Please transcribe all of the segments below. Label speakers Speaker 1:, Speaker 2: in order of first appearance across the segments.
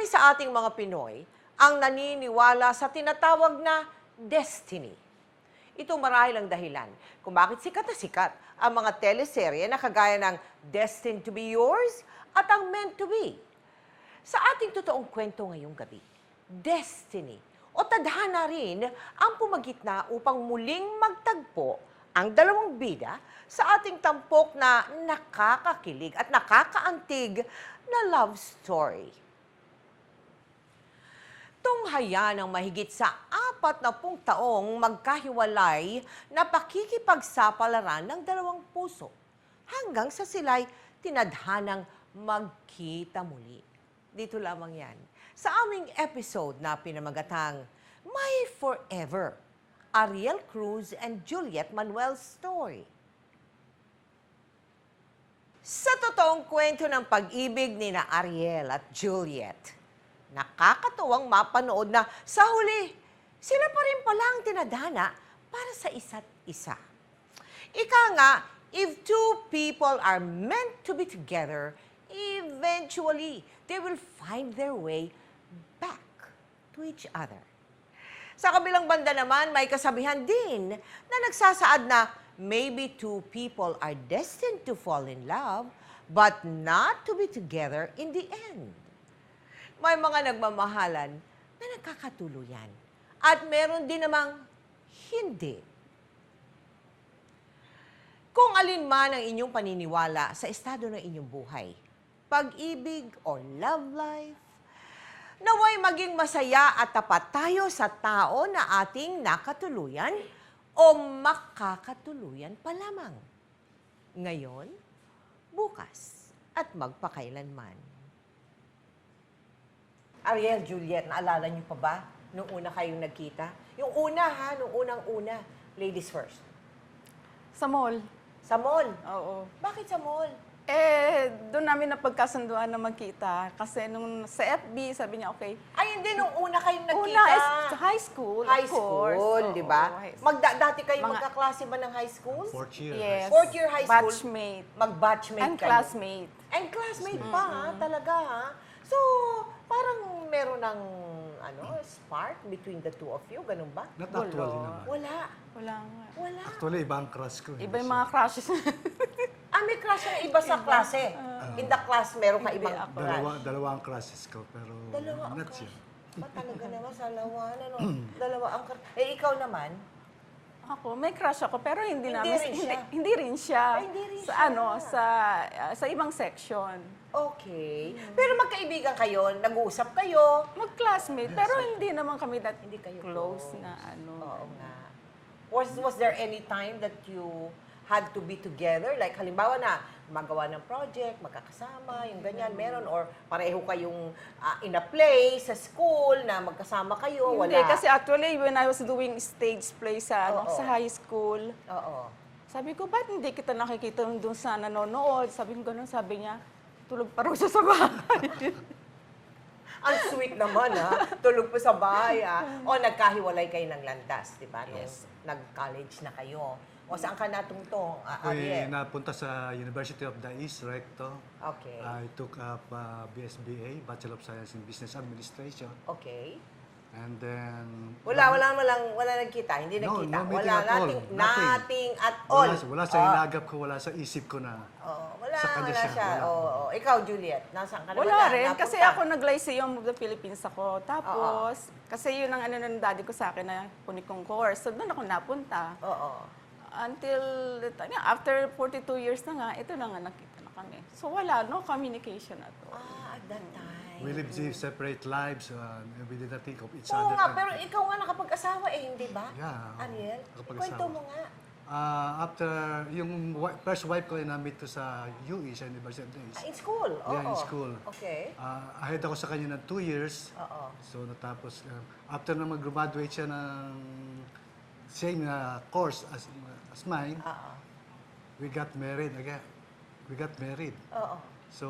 Speaker 1: Marami sa ating mga Pinoy ang naniniwala sa tinatawag na destiny. Ito marahil ang dahilan kung bakit sikat na sikat ang mga teleserye na kagaya ng Destined to be Yours at ang Meant to be. Sa ating totoong kwento ngayong gabi, destiny o tadhana rin ang pumagitna upang muling magtagpo ang dalawang bida sa ating tampok na nakakakilig at nakakaantig na love story. Tunghaya ng mahigit sa 40 taong magkahiwalay na pakikipagsapalaran ng dalawang puso hanggang sa sila'y tinadhanang magkita muli. Dito lamang yan sa aming episode na pinamagatang My Forever, Ariel Cruz and Juliet Manuel's Story. Sa totoong kwento ng pag-ibig ni na Ariel at Juliet, nakakatuwang mapanood na sa huli, sila pa rin pala ang tinadhana para sa isa't isa. Ika nga, if two people are meant to be together, eventually, they will find their way back to each other. Sa kabilang banda naman, may kasabihan din na nagsasaad na maybe two people are destined to fall in love, but not to be together in the end. May mga nagmamahalan na nagkakatuluyan at meron din namang hindi. Kung alin man ang inyong paniniwala sa estado ng inyong buhay, pag-ibig o love life, naway maging masaya at tapat tayo sa tao na ating nakatuluyan o makakatuluyan pa lamang. Ngayon, bukas, at magpakailanman. Ariel, Juliet, naalala niyo pa ba nung una kayong nagkita? Yung una ha, nung unang-una. Ladies first.
Speaker 2: Sa mall.
Speaker 1: Sa mall?
Speaker 2: Oo.
Speaker 1: Bakit sa mall?
Speaker 2: Doon namin napagkasunduan na magkita. Kasi nung sa FB, sabi niya, okay.
Speaker 1: Ay, hindi, nung una kayong nagkita.
Speaker 2: Una is sa high school,
Speaker 1: High
Speaker 2: of course.
Speaker 1: school, di ba?
Speaker 2: Oo, high school.
Speaker 1: Dati kayo
Speaker 2: Mga-
Speaker 1: magkaklase ba ng high school?
Speaker 3: Fourth year.
Speaker 2: Yes.
Speaker 1: Fourth year high school?
Speaker 2: Batchmate.
Speaker 1: Mag-batchmate
Speaker 2: And
Speaker 1: kayo?
Speaker 2: classmate.
Speaker 1: And classmate pa, ha? Talaga, ha? So, parang meron ng spark between the two of you, ganun ba?
Speaker 3: Not actually naman.
Speaker 1: Wala.
Speaker 2: Wala nga.
Speaker 1: Wala.
Speaker 3: Actually, iba ang crush ko.
Speaker 2: Iba yung mga crushes.
Speaker 1: May crush na iba sa klase. In the class, meron ka
Speaker 2: Hindi
Speaker 1: ibang
Speaker 2: ako.
Speaker 1: crush.
Speaker 3: Dalawa ang crushes ko, pero
Speaker 1: Dalawa ang
Speaker 3: not
Speaker 1: crush.
Speaker 3: siya.
Speaker 1: Ba talaga naman sa lawan, ano? Dalawa ang crush. Eh, ikaw naman?
Speaker 2: Ako, may crush ako, pero hindi
Speaker 1: Hindi
Speaker 2: namin,
Speaker 1: rin siya.
Speaker 2: hindi rin siya.
Speaker 1: Ay, hindi rin
Speaker 2: sa
Speaker 1: siya.
Speaker 2: sa ibang section.
Speaker 1: Okay. Pero magkaibigan kayo, nag-uusap kayo.
Speaker 2: Mag-classmate, pero hindi naman kami that
Speaker 1: Hindi kayo
Speaker 2: close
Speaker 1: close.
Speaker 2: na ano.
Speaker 1: Oo nga. Was there any time that you had to be together? Like, halimbawa na, magawa ng project, magkakasama, yung ganyan, meron? Or pareho kayong in a play, sa school, na magkasama kayo?
Speaker 2: Hindi,
Speaker 1: Wala?
Speaker 2: kasi actually, when I was doing stage play sa,
Speaker 1: Oo.
Speaker 2: sa high school,
Speaker 1: Oo.
Speaker 2: sabi ko, ba't hindi kita nakikita doon sa nanonood? Sabi ko gano'n, sabi niya, tulog pa raw siya sa bahay.
Speaker 1: Ang sweet naman, ha? Tulog po sa bahay, ha? O, nagkahiwalay kayo ng landas, di ba? Nung
Speaker 2: Yes.
Speaker 1: nag-college na kayo. O, saan ka natungtong,
Speaker 3: Ako'y
Speaker 1: Ariel?
Speaker 3: napunta sa University of the East, Recto.
Speaker 1: Okay.
Speaker 3: I took up BSBA, Bachelor of Science in Business Administration.
Speaker 1: Okay.
Speaker 3: And then...
Speaker 1: Wala nagkita, hindi
Speaker 3: No,
Speaker 1: nagkita.
Speaker 3: no meeting
Speaker 1: Wala,
Speaker 3: at all.
Speaker 1: nothing at all.
Speaker 3: Wala sa inagap ko, wala sa isip ko na.
Speaker 1: Wala,
Speaker 3: sa kanya
Speaker 1: wala
Speaker 3: siya,
Speaker 1: siya.
Speaker 3: wala.
Speaker 1: Oo. Ikaw, Juliet, nasaan ka na ba
Speaker 2: Wala
Speaker 1: na?
Speaker 2: rin,
Speaker 1: Napunta?
Speaker 2: kasi ako nag-Lyceum of the Philippines ako. Tapos, kasi yun ang ano ng daddy ko sa akin na kunin kong course. So, doon ako napunta.
Speaker 1: Oo.
Speaker 2: Until, after 42 years na nga, ito na nga nakita na kami. So, wala, no communication at all.
Speaker 1: At that time.
Speaker 3: We lived separate lives. We did not think of each
Speaker 1: Oo
Speaker 3: other.
Speaker 1: nga, pero ikaw nga nakapag-asawa hindi ba?
Speaker 3: Yeah.
Speaker 1: Ariel,
Speaker 3: Nakapag-asawa.
Speaker 1: kwento mo nga.
Speaker 3: After, yung first wife ko ay na-meet ko sa UE, sa University of the East.
Speaker 1: In school? Oo.
Speaker 3: Yeah, in school.
Speaker 1: Okay.
Speaker 3: Ahead ako sa kanya ng 2 years.
Speaker 1: Oo.
Speaker 3: So natapos, after na mag-graduate siya ng same course as mine,
Speaker 1: Oo.
Speaker 3: we got married again. We got married.
Speaker 1: Oo.
Speaker 3: So,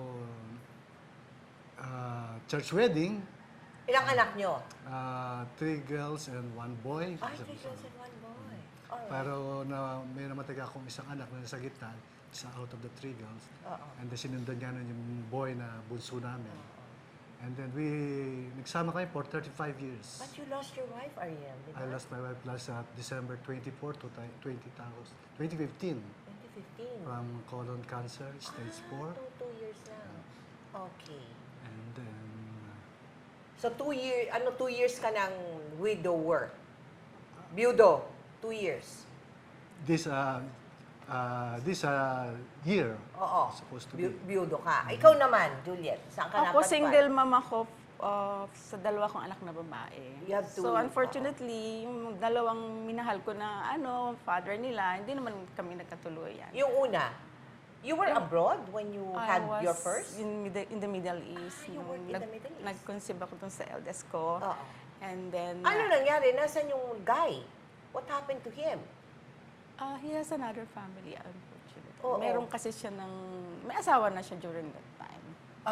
Speaker 3: church wedding,
Speaker 1: Ilang anak nyo?
Speaker 3: 3 girls and 1 boy.
Speaker 1: Ay, 3 girls and 1 boy. Alright.
Speaker 3: Pero may namatay akong isang anak na nasa gitna, isa out of the 3 girls.
Speaker 1: Oo.
Speaker 3: And then sinundan niya nun yung boy na bunso namin. And then nagsama kami for 35 years.
Speaker 1: But you lost your wife, Ariel, di ba?
Speaker 3: I lost my wife last December 24 to 2015
Speaker 1: 2015.
Speaker 3: from colon cancer, stage 4.
Speaker 1: Two years lang. Okay.
Speaker 3: And then,
Speaker 1: So 2 years ka ng widower? Byudo, 2 years.
Speaker 3: this year,
Speaker 1: Oo.
Speaker 3: supposed to be.
Speaker 1: Byudo ka. Ikaw naman, Juliet, saan ka
Speaker 2: Ako,
Speaker 1: napadpad?
Speaker 2: single mom ako sa dalawa kong anak na babae.
Speaker 1: You have
Speaker 2: So,
Speaker 1: to-
Speaker 2: unfortunately, yung dalawang minahal ko na father nila, hindi naman kami nagkatuluyan.
Speaker 1: Yung una, you were abroad when you
Speaker 2: I
Speaker 1: had
Speaker 2: was
Speaker 1: your first?
Speaker 2: in the Middle East.
Speaker 1: you
Speaker 2: Nung
Speaker 1: worked in the Middle East.
Speaker 2: Nag-conceive ako dun sa eldest ko.
Speaker 1: Oo.
Speaker 2: And then,
Speaker 1: Ano nangyari? Nasaan yung guy? What happened to him?
Speaker 2: he has another family, unfortunately.
Speaker 1: Oo.
Speaker 2: Meron kasi siya may asawa na siya during that time.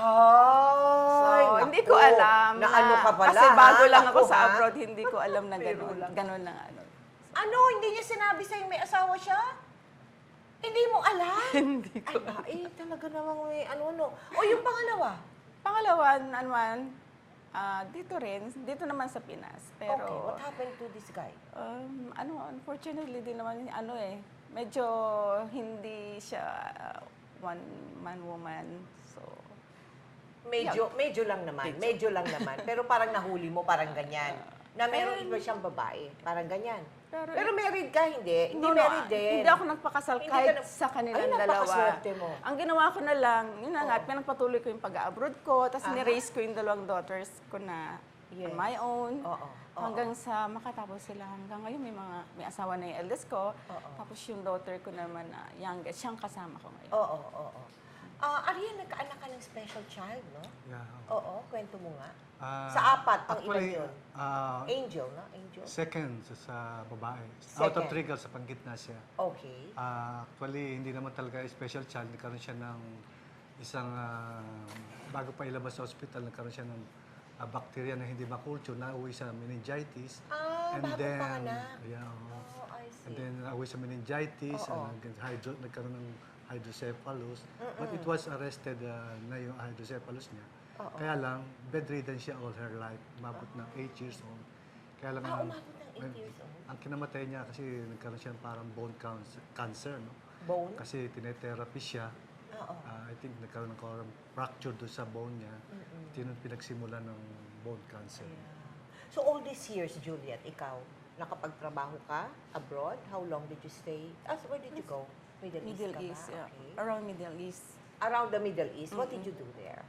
Speaker 1: Ay,
Speaker 2: So, hindi ko alam
Speaker 1: na ano ka pala,
Speaker 2: kasi bago
Speaker 1: ha?
Speaker 2: lang ako
Speaker 1: Naku,
Speaker 2: sa
Speaker 1: ha?
Speaker 2: abroad, hindi ko alam na
Speaker 1: Biro
Speaker 2: gano'n.
Speaker 1: lang.
Speaker 2: Gano'n na ano.
Speaker 1: Ano? Hindi niya sinabi sa'yo may asawa siya? Hindi mo alam?
Speaker 2: Hindi ko.
Speaker 1: Ay, talaga namang may ano-ano. O yung pangalawa?
Speaker 2: Pangalawa, naman, dito rin, dito naman sa Pinas. Pero,
Speaker 1: Okay, what happened to this guy?
Speaker 2: unfortunately, din naman, medyo hindi siya one-man woman. So,
Speaker 1: Medyo lang naman. Medyo lang naman. Pero parang nahuli mo, parang ganyan. Na meron iba siyang babae. Parang ganyan. Pero married ka, hindi? Hindi married din.
Speaker 2: Hindi ako nagpakasal
Speaker 1: Hindi
Speaker 2: kahit
Speaker 1: ka na-
Speaker 2: sa kanilang
Speaker 1: Ay,
Speaker 2: dalawa.
Speaker 1: napakaswerte mo.
Speaker 2: Ang ginawa ko na lang, yun na nga, pinagpatuloy ko yung pag-abroad ko, tapos ni-raise ko yung dalawang daughters ko na
Speaker 1: Yes.
Speaker 2: on my own.
Speaker 1: Oo.
Speaker 2: Hanggang sa makatapos sila. Hanggang ngayon may asawa na yung eldest ko. Tapos yung daughter ko naman na youngest, siyang kasama ko ngayon.
Speaker 1: Oo. Ariel, nagkaanak ka ng special child, no?
Speaker 3: Yeah.
Speaker 1: Oo, kwento mo nga.
Speaker 3: Ah,
Speaker 1: Sa apat, ang
Speaker 3: actually,
Speaker 1: ilan yun? Angel, no? Angel.
Speaker 3: second sa babae. Out of
Speaker 1: Second.
Speaker 3: 3 girls, sa panggitna siya.
Speaker 1: Okay.
Speaker 3: Actually, hindi naman talaga special child. Nagkaroon siya ng isang, bago pa ilabas sa hospital, nagkaroon siya ng bacteria na hindi makulture, nauwi sa meningitis.
Speaker 1: Bago panganak.
Speaker 3: Yeah, oo.
Speaker 1: Oh, I see.
Speaker 3: And then nauwi sa meningitis,
Speaker 1: Oo.
Speaker 3: nagkaroon ng hydrocephalus. But it was arrested na yung hydrocephalus niya. Kaya lang, bedridden siya all her life. Umabot ng 8 years old. Kaya lang,
Speaker 1: Umabot ng 8 years old?
Speaker 3: ang kinamatay niya kasi nagkaroon siya ng parang bone cancer, no?
Speaker 1: Bone?
Speaker 3: Kasi tinetherapy siya.
Speaker 1: Oo.
Speaker 3: I think nagkaroon ng fracture doon sa bone niya. Pinagsimula ng bone cancer.
Speaker 1: So all these years, Juliet, ikaw, nakapagtrabaho ka abroad? How long did you stay? Where did you go? Middle
Speaker 2: Middle
Speaker 1: East ka ba?
Speaker 2: East, yeah.
Speaker 1: Okay.
Speaker 2: Around Middle East.
Speaker 1: Around the Middle East, what did you do there?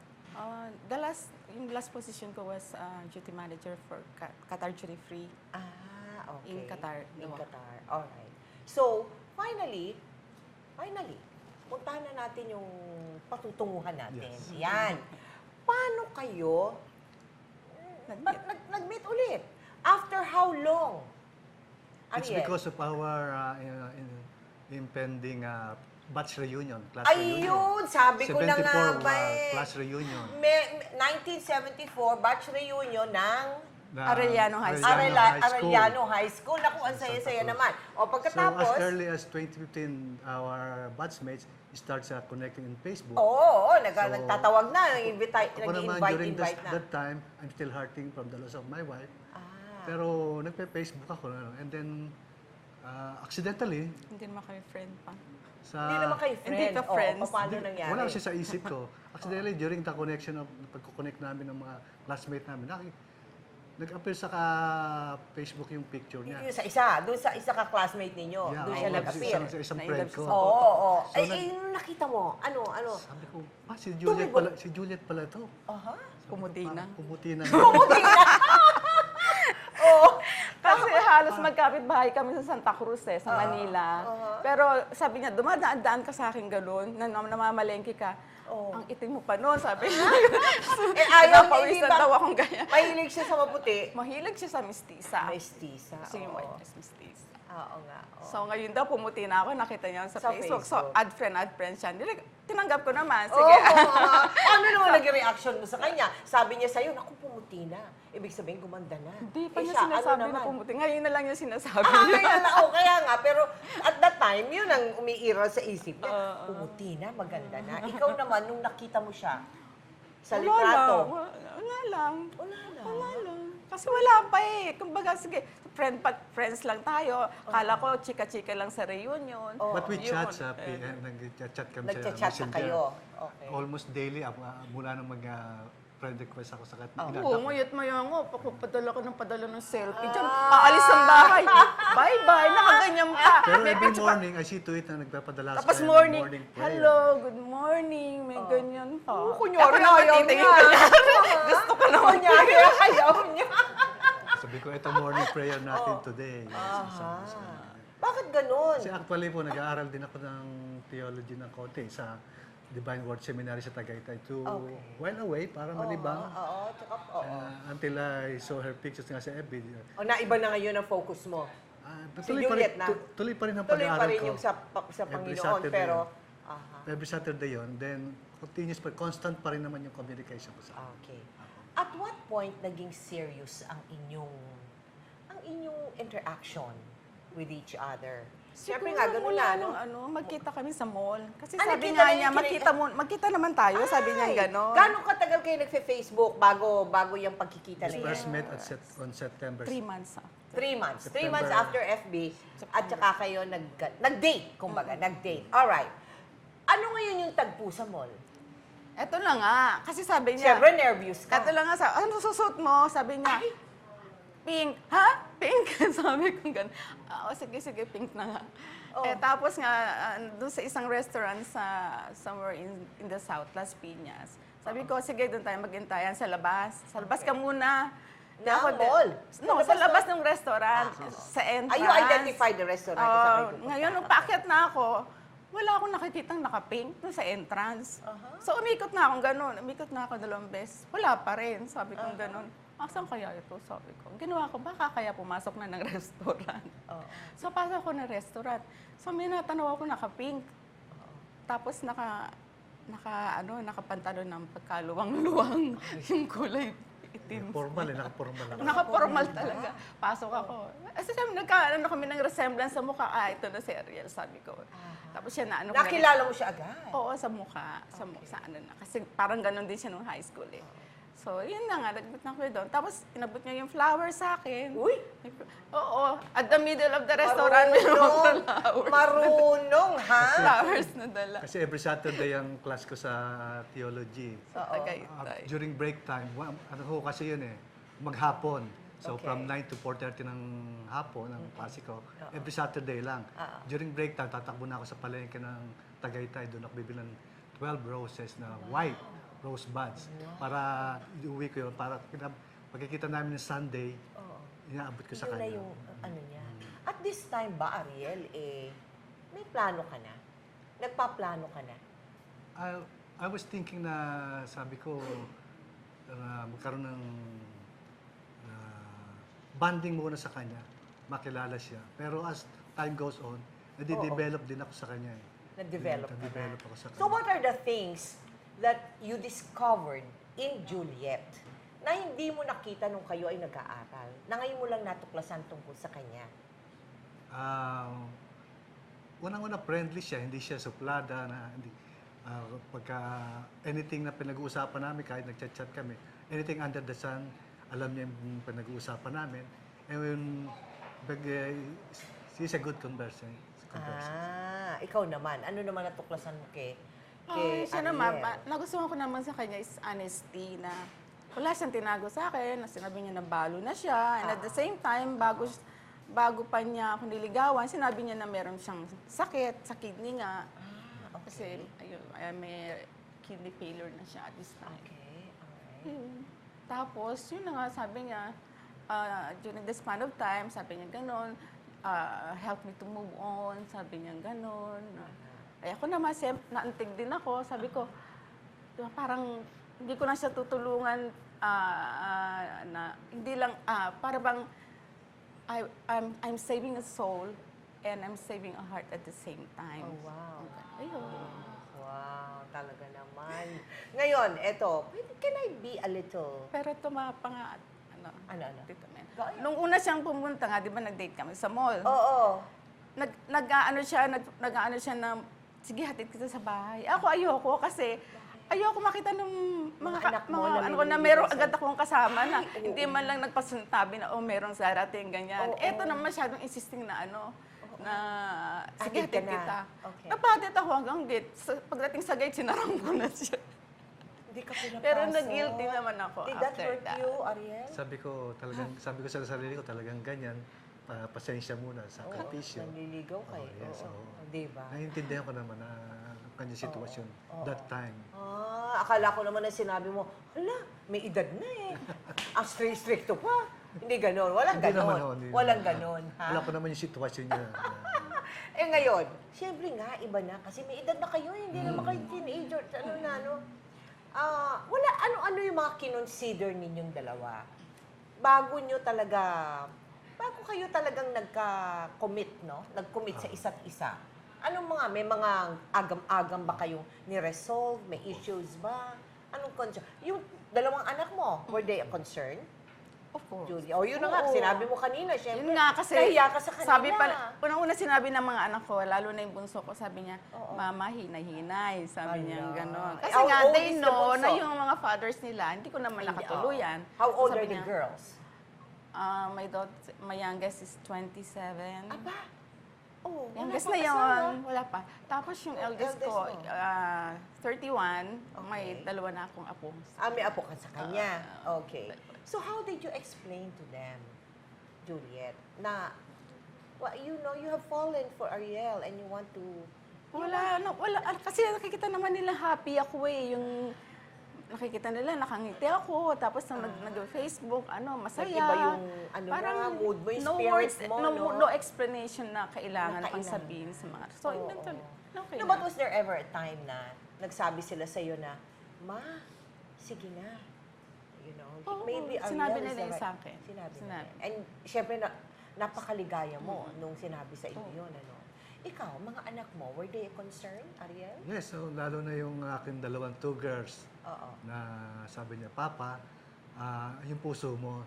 Speaker 2: Yung last position ko was duty manager for Qatar Duty Free.
Speaker 1: Okay.
Speaker 2: In Qatar,
Speaker 1: In
Speaker 2: no?
Speaker 1: Qatar. Alright. So, finally, puntahan na natin yung patutunguhan natin.
Speaker 3: Yes.
Speaker 1: Yan. Paano kayo
Speaker 2: Nag-meet.
Speaker 1: nag-meet ulit? After how long?
Speaker 3: It's
Speaker 1: Ariel?
Speaker 3: because of our impending batch reunion, class reunion.
Speaker 1: Ayun, sabi ko na nga
Speaker 3: 74
Speaker 1: ba
Speaker 3: class reunion.
Speaker 1: 1974, batch reunion ng
Speaker 2: Arellano High School.
Speaker 1: Arellano High School. Naku, ang saya-saya naman. O
Speaker 3: So
Speaker 1: pagkatapos,
Speaker 3: as early as 2015, our batchmates starts connecting in Facebook.
Speaker 1: oo,
Speaker 3: So,
Speaker 1: nagtatawag na,
Speaker 3: Ako naman, during
Speaker 1: nag-invite na.
Speaker 3: that time, I'm still hurting from the loss of my wife.
Speaker 1: Ah.
Speaker 3: Pero nagpe-Facebook ako. And then, accidentally,
Speaker 2: Hindi naman kami friend pa.
Speaker 1: Hindi naman kayo friend.
Speaker 2: Hindi ka friends.
Speaker 1: Paano nangyari?
Speaker 3: wala siya sa isip ko. Accidentally, during the connection of pagko-connect namin ng mga classmate namin, nag-appear sa Facebook yung picture niya.
Speaker 1: Yung sa isa, doon sa isa ka classmate ninyo, doon siya
Speaker 3: oo,
Speaker 1: nag-appear.
Speaker 3: Isang
Speaker 2: Na
Speaker 3: friend
Speaker 2: ilabas
Speaker 3: ko.
Speaker 2: sa
Speaker 1: Oo.
Speaker 3: So,
Speaker 1: Yung nakita mo, ano?
Speaker 3: Sabi ko, si
Speaker 1: Tumibol.
Speaker 3: Juliet pala to.
Speaker 1: Aha.
Speaker 2: Pumuti na.
Speaker 3: Pumuti na.
Speaker 2: Kasi halos magkapit bahay kami sa Santa Cruz sa Manila. Pero sabi niya, dumadaan-daan ka sa akin gano'n, namamalengke ka. Ang itim mo pa noon, sabi niya.
Speaker 1: Ayaw,
Speaker 2: Napawisan daw akong ganyan.
Speaker 1: Mahilig siya sa maputi.
Speaker 2: Mahilig siya sa mistisa.
Speaker 1: Mestiza.
Speaker 2: Kasi yung
Speaker 1: oo.
Speaker 2: white dress mistisa.
Speaker 1: Oo nga. oo.
Speaker 2: So ngayon daw, pumuti na ako, nakita niya sa
Speaker 1: Sa
Speaker 2: Facebook. So
Speaker 1: Facebook.
Speaker 2: add friend siya. Tinanggap ko naman,
Speaker 1: Oo,
Speaker 2: sige.
Speaker 1: ano naman naging reaction mo sa kanya? Sabi niya sa'yo, naku, pumuti na. Ibig sabihin, gumanda na.
Speaker 2: Hindi pa niya
Speaker 1: siya,
Speaker 2: sinasabi
Speaker 1: ano
Speaker 2: na
Speaker 1: naman?
Speaker 2: pumuti. Ngayon na lang yung sinasabi
Speaker 1: Kaya
Speaker 2: niya.
Speaker 1: kaya nga, pero at that time, yun ang umiiral sa isip niya. Pumuti na, maganda na. Ikaw naman, nung nakita mo siya, Sa litrato?
Speaker 2: Wala lang.
Speaker 1: Wala lang.
Speaker 2: Wala lang. Kasi wala pa eh. Kumbaga, sige, friends lang tayo. Kala ko, chika-chika lang sa reunion.
Speaker 3: But we
Speaker 2: Yun.
Speaker 3: chat sa PM, nag-chat kami sa
Speaker 1: Nagchat-chat na
Speaker 3: Messenger.
Speaker 1: kayo. Okay.
Speaker 3: Almost daily, mula nung friend request ako sa
Speaker 2: Oo, nguyot mo yun ako. Padala ko ng padala ng selfie. Diyan, aalis ng bahay. Bye-bye. Nakaganyan pa.
Speaker 3: Pero
Speaker 2: May
Speaker 3: every
Speaker 2: picture pa.
Speaker 3: morning, I see to it na nagpapadala
Speaker 2: Tapos
Speaker 3: kayo ng
Speaker 2: morning,
Speaker 3: prayer.
Speaker 2: hello, good morning. May ganyan pa.
Speaker 1: Oo, kunyari
Speaker 2: Ako
Speaker 1: ayaw
Speaker 2: titingin
Speaker 1: niya.
Speaker 2: ka. Gusto ko naman.
Speaker 1: Kunyari, ayaw niya.
Speaker 3: Sabi ko, ito morning prayer natin today.
Speaker 1: Bakit ganun?
Speaker 3: Kasi actually po, nag-aaral din ako ng theology ng konti sa Divine Word Seminary sa Tagaytay to while away para malibang.
Speaker 1: Oo, tsaka,
Speaker 3: Until I saw her pictures nga sa FB.
Speaker 1: O, naiba na ngayon ang focus mo. Si
Speaker 3: Tuloy pa rin,
Speaker 1: Juliet na.
Speaker 3: tuloy pa rin ang
Speaker 1: Tuloy pa
Speaker 3: pag-aaral
Speaker 1: rin
Speaker 3: ko.
Speaker 1: yung sa
Speaker 3: Every
Speaker 1: Panginoon,
Speaker 3: Saturday.
Speaker 1: pero...
Speaker 3: Every Saturday yon, then continuous pa, constant pa rin naman yung communication ko sa
Speaker 1: Okay. At what point naging serious ang inyong interaction with each other? Siyempre nga, ganun na, no?
Speaker 2: Magkita kami sa mall. Kasi
Speaker 1: Ah,
Speaker 2: sabi
Speaker 1: nagkita
Speaker 2: nga
Speaker 1: na
Speaker 2: niya,
Speaker 1: yung
Speaker 2: magkita naman tayo. Sabi niya
Speaker 1: Ay,
Speaker 2: gano'n.
Speaker 1: Gano'ng katagal kayo nagfe-Facebook bago yung pagkikita na
Speaker 3: We
Speaker 1: yan?
Speaker 3: first met on September.
Speaker 2: 3 months.
Speaker 1: 3 months. 3
Speaker 3: September.
Speaker 1: months after FB, at saka kayo nag-date, kumbaga, nag-date. Alright. Ano ngayon yung tagpo sa mall?
Speaker 2: Eto na nga. Kasi sabi niya,
Speaker 1: Siyempre, nervous ka.
Speaker 2: eto lang nga, ano susuot mo? Sabi niya, pink. Ha? Pink? Sabi ko gano'n. Sige, pink na nga. Tapos nga, doon sa isang restaurant somewhere in the South, Las Piñas. Sabi ko, sige, doon tayo magintayan sa labas. Sa labas ka muna.
Speaker 1: Na
Speaker 2: Ako din-
Speaker 1: mall?
Speaker 2: No, sa labas ng restaurant. Sa entrance.
Speaker 1: You identified the restaurant? kung saan kayo pupunta?
Speaker 2: Ngayon, nung paakyat na ako, wala akong nakikitang naka-pink doon sa entrance. So, umikot na akong ganun. Umikot na ako 2 beses. Wala pa rin. Sabi ko ganun. Saan kaya ito? Sabi ko. Ginawa ko, baka kaya pumasok na ng restaurant. So, pasok ako ng restaurant. So, may natanaw ako naka-pink. Tapos nakapantalon ng pagkaluwang-luwang yung kulay itim.
Speaker 3: Formal naka-formal ako.
Speaker 2: Naka-formal talaga. Pasok ako. Kasi nagkaano kami ng resemblance sa mukha. Ito na si Ariel, sabi ko. Tapos siya na ano.
Speaker 1: Nakilala mo siya agad?
Speaker 2: Oo, sa mukha. Sa ano na. Kasi parang ganon din siya nung high school eh. So, yun na nga, nagbit na ko doon. Tapos, inabot niya yung flower sa akin.
Speaker 1: Uy!
Speaker 2: Oo, at the middle of the restaurant, may mga flowers.
Speaker 1: Marunong, ha?
Speaker 2: Flowers na dala.
Speaker 3: Kasi every Saturday ang class ko sa theology.
Speaker 2: Sa Tagaytay.
Speaker 3: During break time, ano ko kasi yun maghapon. So
Speaker 1: Okay.
Speaker 3: from 9 to 4:30 ng hapon, ng klase ko, every Saturday lang. During break time, tatakbo na ako sa palengke ng Tagaytay. Doon ako bibili ng 12 roses na white rose buds. Para iuwi ko yun, para pagkikita namin ng Sunday, inaabot ko sa
Speaker 1: Yun na
Speaker 3: kanya.
Speaker 1: yung ano niya. At this time ba, Ariel, may plano ka na? Nagpaplano ka na?
Speaker 3: I was thinking na, sabi ko, magkaroon ng bonding muna sa kanya, makilala siya. Pero as time goes on, nade-develop din ako sa kanya.
Speaker 1: Nag-develop ka na.
Speaker 3: Nade-develop ako sa kanya.
Speaker 1: So what are the things that you discovered in Juliet na hindi mo nakita nung kayo ay nag-aaral? Na ngayon mo lang natuklasan tungkol sa kanya?
Speaker 3: Unang-una, friendly siya. Hindi siya suplada. Pagka anything na pinag-uusapan namin, kahit nag-chat-chat kami, anything under the sun, alam niya yung pinag-uusapan namin. And when, she's a good converser.
Speaker 1: Ikaw naman. Ano naman natuklasan mo kay
Speaker 2: Siya
Speaker 1: Ariel?
Speaker 2: naman, nagustuhan ko naman sa kanya is honesty na wala siyang tinago sa akin, na sinabi niya na balo na siya. And at the same time, bago pa niya ako niligawan, sinabi niya na meron siyang sakit, sa kidney nga. Kasi may kidney failure na siya at this time.
Speaker 1: Okay, alright.
Speaker 2: Tapos, yun na nga, sabi niya, during this span of time, sabi niya gano'n, help me to move on, sabi niya gano'n. Ay ako naman, naantig din ako. Sabi ko, parang hindi ko na siya tutulungan na hindi lang, para bang I'm saving a soul and I'm saving a heart at the same time.
Speaker 1: Oh, wow.
Speaker 2: Ayun.
Speaker 1: Wow, talaga naman. Ngayon, eto, can I be a little...
Speaker 2: Pero ito mga
Speaker 1: Ano?
Speaker 2: Tito Men.
Speaker 1: Go ahead.
Speaker 2: Nung una siyang pumunta nga, di ba nag-date kami sa mall?
Speaker 1: Oo.
Speaker 2: Nag-ano siya na, sige, hatid kita sa bahay. Ako ayoko kasi ayoko makita ng
Speaker 1: Mga anak mo
Speaker 2: mga
Speaker 1: na
Speaker 2: ano ko na
Speaker 1: nililigaw
Speaker 2: meron
Speaker 1: sa'yo.
Speaker 2: agad akong kasama na
Speaker 1: Ay, oo.
Speaker 2: hindi man lang nagpasuntabi na, oh, merong darating, ganyan.
Speaker 1: Oo.
Speaker 2: Eto na masyadong insisting na ano, na sige,
Speaker 1: Hatid ka
Speaker 2: hatid
Speaker 1: na.
Speaker 2: kita.
Speaker 1: Okay.
Speaker 2: Napahatid ako hanggang gate. Pagdating sa gate, sinarang ko na siya.
Speaker 1: Hindi ka pinapasok.
Speaker 2: Pero nag-guilty naman ako
Speaker 1: Did that
Speaker 2: after
Speaker 1: hurt
Speaker 2: that.
Speaker 1: you, Ariel?
Speaker 3: Sabi ko sa sarili ko talagang ganyan. Pasensya muna, sakripisyo.
Speaker 1: Nanliligaw kayo.
Speaker 3: Oh, yes, oo.
Speaker 1: Di ba?
Speaker 3: Naiintindihan ko naman ang kanyang sitwasyon that time.
Speaker 1: Akala ko naman na sinabi mo, hala, may edad na eh. Ang strict-stricto pa. Hindi ganon. Walang
Speaker 3: Hindi naman,
Speaker 1: ganon.
Speaker 3: hindi
Speaker 1: Walang
Speaker 3: naman.
Speaker 1: ganon. Ha?
Speaker 3: Alam ko naman yung sitwasyon niya.
Speaker 1: Eh ngayon, siyempre nga, iba na. Kasi may edad na kayo, hindi naman kayo teenager. Ano na, no? Wala, ano-ano yung mga kinonsider ninyong dalawa? Bago kayo talagang nagka-commit, no? Nag-commit sa isa't isa. Anong may mga agam-agam ba kayong ni-resolve? May issues ba? Anong concern? Yung dalawang anak mo, were they a concern?
Speaker 2: Of course.
Speaker 1: Julia. O yun na nga,
Speaker 2: Oo.
Speaker 1: sinabi mo kanina, syempre.
Speaker 2: Yun nga kasi,
Speaker 1: nahiya ka sa kanila.
Speaker 2: sabi pa, unang-una sinabi ng mga anak ko, lalo na yung bunso ko, sabi niya,
Speaker 1: Oo.
Speaker 2: Mama, hinay-hinay. Sabi niya
Speaker 1: Ala.
Speaker 2: gano'n.
Speaker 1: Eh,
Speaker 2: Kasi
Speaker 1: how
Speaker 2: nga,
Speaker 1: old
Speaker 2: they
Speaker 1: is the
Speaker 2: know na
Speaker 1: bunso?
Speaker 2: yung mga fathers nila, hindi ko naman nakatuluyan.
Speaker 1: How old
Speaker 2: Sabi
Speaker 1: are the
Speaker 2: niya,
Speaker 1: girls?
Speaker 2: My youngest is 27.
Speaker 1: Aba. Oh, wala
Speaker 2: Youngest
Speaker 1: pa
Speaker 2: na
Speaker 1: kasama.
Speaker 2: yun, wala pa. Tapos yung eldest
Speaker 1: eldest
Speaker 2: ko,
Speaker 1: mo?
Speaker 2: 31, may
Speaker 1: Okay.
Speaker 2: dalawa na akong apo.
Speaker 1: May apo ka sa kanya. Okay. So how did you explain to them, Juliet, na, well, you know, you have fallen for Ariel and you want to...
Speaker 2: Wala. Kasi nakikita naman nila happy ako eh. Yung nakikita nila, nakangiti ako. Tapos nung nag-Facebook, masaya.
Speaker 1: Nag-iba yung, mood mo, yung spirit mo, no?
Speaker 2: No explanation na kailangan
Speaker 1: Na
Speaker 2: pang
Speaker 1: kailangan.
Speaker 2: sabihin sa mga... So,
Speaker 1: Oo.
Speaker 2: okay
Speaker 1: No,
Speaker 2: na.
Speaker 1: but was there ever a time na nagsabi sila sa'yo na, Ma, sige na. You know,
Speaker 2: Oo,
Speaker 1: maybe Ariel
Speaker 2: sinabi
Speaker 1: is
Speaker 2: nila
Speaker 1: the
Speaker 2: yun
Speaker 1: right-
Speaker 2: sa akin.
Speaker 1: Sinabi nila.
Speaker 2: Sinabi.
Speaker 1: And syempre, napakaligaya mo nung sinabi sa inyo yun, ano. Ikaw, mga anak mo, were they a concern, Ariel?
Speaker 3: Yes, so lalo na yung aking two girls
Speaker 1: Oo.
Speaker 3: na sabi niya, Papa, yung puso mo,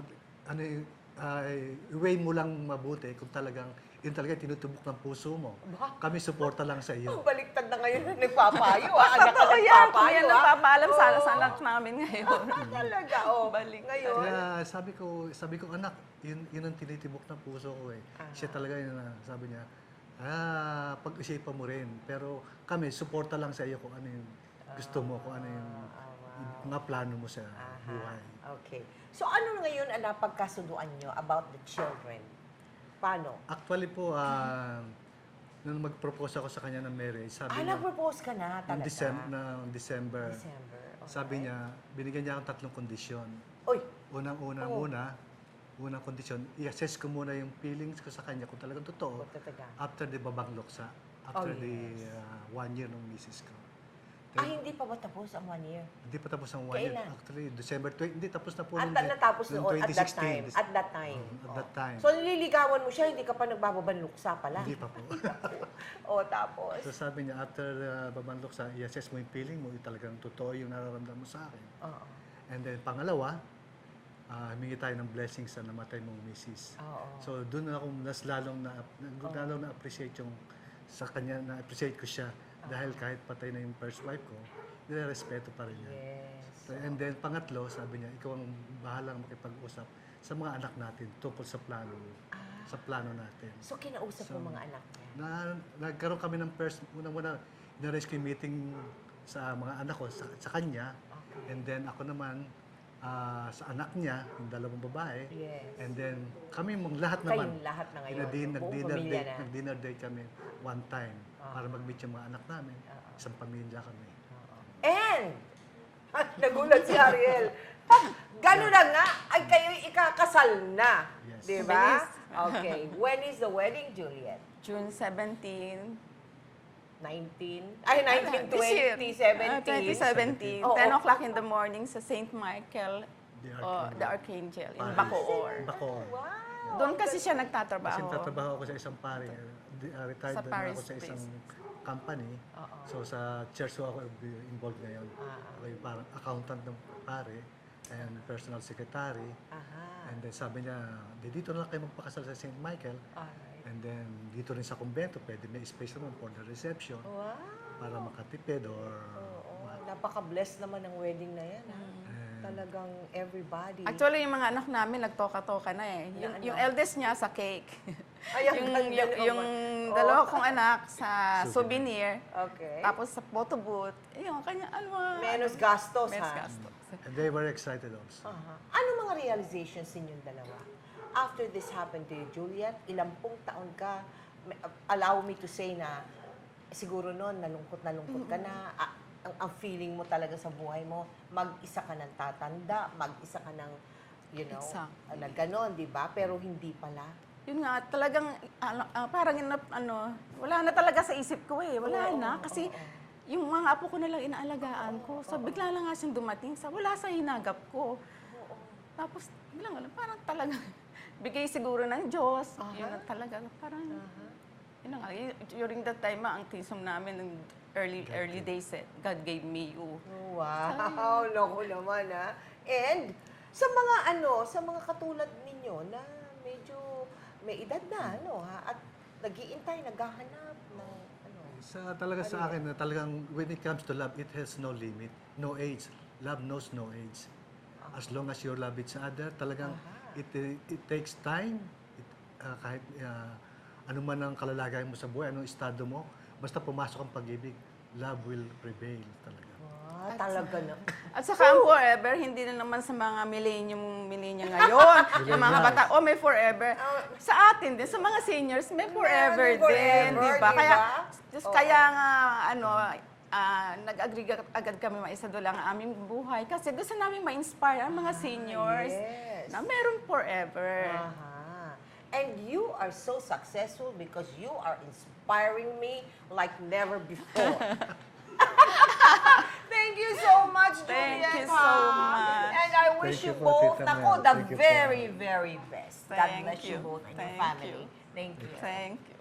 Speaker 3: i-weigh mo lang mabuti kung yun talaga tinutubok ng puso mo.
Speaker 1: Ba?
Speaker 3: Kami suporta lang sa iyo.
Speaker 1: Ang baliktad na ngayon na nagpapayo, Anak ka
Speaker 2: Totoo yan. Kung
Speaker 1: nagpapayo,
Speaker 2: yan nagpapaalam sa
Speaker 1: Oo.
Speaker 2: anak namin ngayon.
Speaker 1: Talaga,
Speaker 2: Baliktad.
Speaker 1: Ngayon,
Speaker 3: Kaya sabi ko, anak, yun ang tinitibok ng puso ko eh. Siya talaga yun, sabi niya, pag-isipan mo rin. Pero kami, suporta lang sa iyo kung ano yung gusto mo, kung ano yung mga plano mo sa buhay.
Speaker 1: Okay. So ano ngayon ang napagkasunduan nyo about the children? Paano?
Speaker 3: Actually po, nung mag-propose ako sa kanya ng marriage, sabi niya,
Speaker 1: Nag-propose ka na
Speaker 3: noong
Speaker 1: talaga?
Speaker 3: December,
Speaker 1: December. Okay.
Speaker 3: sabi niya, binigyan niya akong 3 kondisyon.
Speaker 1: Uy,
Speaker 3: Unang kondisyon, i-assess ko muna yung feelings ko sa kanya kung talagang totoo
Speaker 1: tataga.
Speaker 3: after the babangloksa, after
Speaker 1: Oh,
Speaker 3: the 1 year ng misis ko.
Speaker 1: Hindi pa ba tapos ang 1 year?
Speaker 3: Hindi pa tapos ang 1 year.
Speaker 1: Kailan?
Speaker 3: Actually, December 20, hindi tapos na po
Speaker 1: At
Speaker 3: nung
Speaker 1: natapos
Speaker 3: nung
Speaker 1: noon, at that
Speaker 3: 2016.
Speaker 1: time. At that time.
Speaker 3: At that time.
Speaker 1: So nililigawan mo siya, hindi ka pa nagbababanluksa pala.
Speaker 3: Hindi pa po.
Speaker 1: Tapos?
Speaker 3: So sabi niya, after babangloksa, i-assess mo yung feeling mo, yung talagang totoo yung nararamdaman mo sa akin.
Speaker 1: Oo.
Speaker 3: And then pangalawa, humingi tayo ng blessings sa namatay mong misis.
Speaker 1: Oo.
Speaker 3: So doon ako lalong na-appreciate yung sa kanya, na-appreciate ko siya dahil kahit patay na yung first wife ko, nire-respeto pa rin niya.
Speaker 1: Yes.
Speaker 3: So, and then pangatlo, sabi niya, ikaw ang bahalang makipag-usap sa mga anak natin tungkol sa plano natin.
Speaker 1: So kinausap mo mga anak niya?
Speaker 3: Nagkaroon kami ng unang-una, na-arrange ko yung meeting sa mga anak ko, sa kanya.
Speaker 1: Okay.
Speaker 3: And then ako naman, sa anak niya, yung 2 babae.
Speaker 1: Yes.
Speaker 3: And then kami lahat
Speaker 1: Kayong
Speaker 3: naman.
Speaker 1: lahat na ngayon, buong
Speaker 3: Nag-dinner
Speaker 1: pamilya
Speaker 3: date,
Speaker 1: na.
Speaker 3: nag-dinner date kami one time para mag-meet yung mga anak namin. Isang pamilya kami.
Speaker 1: And, nagulat si Ariel. Gano'n na nga, ay kayo'y ikakasal na.
Speaker 3: Yes.
Speaker 1: Di ba?
Speaker 2: Bilis.
Speaker 1: Okay. When is the wedding, Juliet?
Speaker 2: June 17.
Speaker 1: 19,
Speaker 2: This year.
Speaker 1: 2017.
Speaker 2: 2017.
Speaker 1: Oo.
Speaker 2: 10 o'clock in the morning sa St. Michael,
Speaker 3: The
Speaker 2: the Archangel, in
Speaker 3: Paris.
Speaker 2: Bacoor.
Speaker 3: Bacoor.
Speaker 1: Wow.
Speaker 2: Doon kasi siya
Speaker 3: Kasi
Speaker 2: nagtatrabaho.
Speaker 3: tatrabaho ako sa isang pare. Retired
Speaker 2: Sa
Speaker 3: na
Speaker 2: Paris
Speaker 3: ako sa isang
Speaker 2: based.
Speaker 3: company. So sa church ako involved ngayon. Ako yung parang accountant ng pare and personal secretary.
Speaker 1: Aha.
Speaker 3: And then sabi niya, dito na lang kayo magpakasal sa St. Michael.
Speaker 1: Alright.
Speaker 3: And then dito rin sa kumbento, pwede may space naman for the reception
Speaker 1: Wow.
Speaker 3: para makatipid or
Speaker 1: Oo.
Speaker 3: what.
Speaker 1: napaka-blessed naman ng wedding na yan. Ha? Talagang everybody.
Speaker 2: Actually, yung mga anak namin nagtoka-toka na eh.
Speaker 1: Na ano?
Speaker 2: Yung eldest niya sa cake.
Speaker 1: Ay, ang ganda
Speaker 2: yung
Speaker 1: naman.
Speaker 2: dalawa
Speaker 1: Oh.
Speaker 2: kong anak sa souvenir.
Speaker 1: Okay.
Speaker 2: Tapos sa photo booth. Yung kanya,
Speaker 1: Menos gastos,
Speaker 2: Menos
Speaker 1: ha?
Speaker 2: gastos.
Speaker 3: And they were excited also.
Speaker 1: Ano mga realizations ninyong dalawa? After this happened to you, Juliet, ilang taon ka, allow me to say na, siguro noon, nalungkot ka na, ang feeling mo talaga sa buhay mo, mag-isa ka ng tatanda, mag-isa ka ng, you know,
Speaker 2: Exactly.
Speaker 1: na ganon, di ba? Pero hindi pala.
Speaker 2: Yun nga, talagang, parang, wala na talaga sa isip ko eh. Wala na. Kasi, yung mga apo ko na lang inaalagaan ko. So, bigla lang nga siyang dumating wala sa hinagap ko. Tapos, biglang, parang talagang, bigay siguro ng Diyos. Yun na talaga, parang, yun na nga, during that time, ang tism namin, ng early days, God gave me you.
Speaker 1: Wow, loko naman, ha? And, sa mga katulad ninyo na medyo may edad na, ha? At nag-iintay, naghahanap ng,
Speaker 3: Talaga sa akin, talagang when it comes to love, it has no limit, no age. Love knows no age. As long as you love each other, talagang it takes time. Kahit ano man ang kalalagayan mo sa buhay, anong estado mo, basta pumasok ang pag-ibig, love will prevail talaga.
Speaker 1: talaga na.
Speaker 2: At saka ang forever, hindi na naman sa mga millennium ngayon. Yung mga bata, may forever. Sa atin din, sa mga seniors, may forever din, di ba? Kaya, kaya nga, nag-agree agad kami maisadula ang aming buhay. Kasi gusto namin ma-inspire ang mga seniors na meron forever.
Speaker 1: And you are so successful because you are inspiring me like never before. Thank you so much, Juliet.
Speaker 2: Thank you so much.
Speaker 1: And I wish
Speaker 3: Thank
Speaker 1: you
Speaker 3: you po,
Speaker 1: both,
Speaker 3: Tita
Speaker 1: ako,
Speaker 3: Mel.
Speaker 1: the
Speaker 3: Thank you po.
Speaker 1: very, very best. God
Speaker 2: Thank
Speaker 1: bless you
Speaker 2: you.
Speaker 1: both and your
Speaker 2: Thank
Speaker 1: family.
Speaker 2: you.
Speaker 1: Thank you.
Speaker 2: Thank you.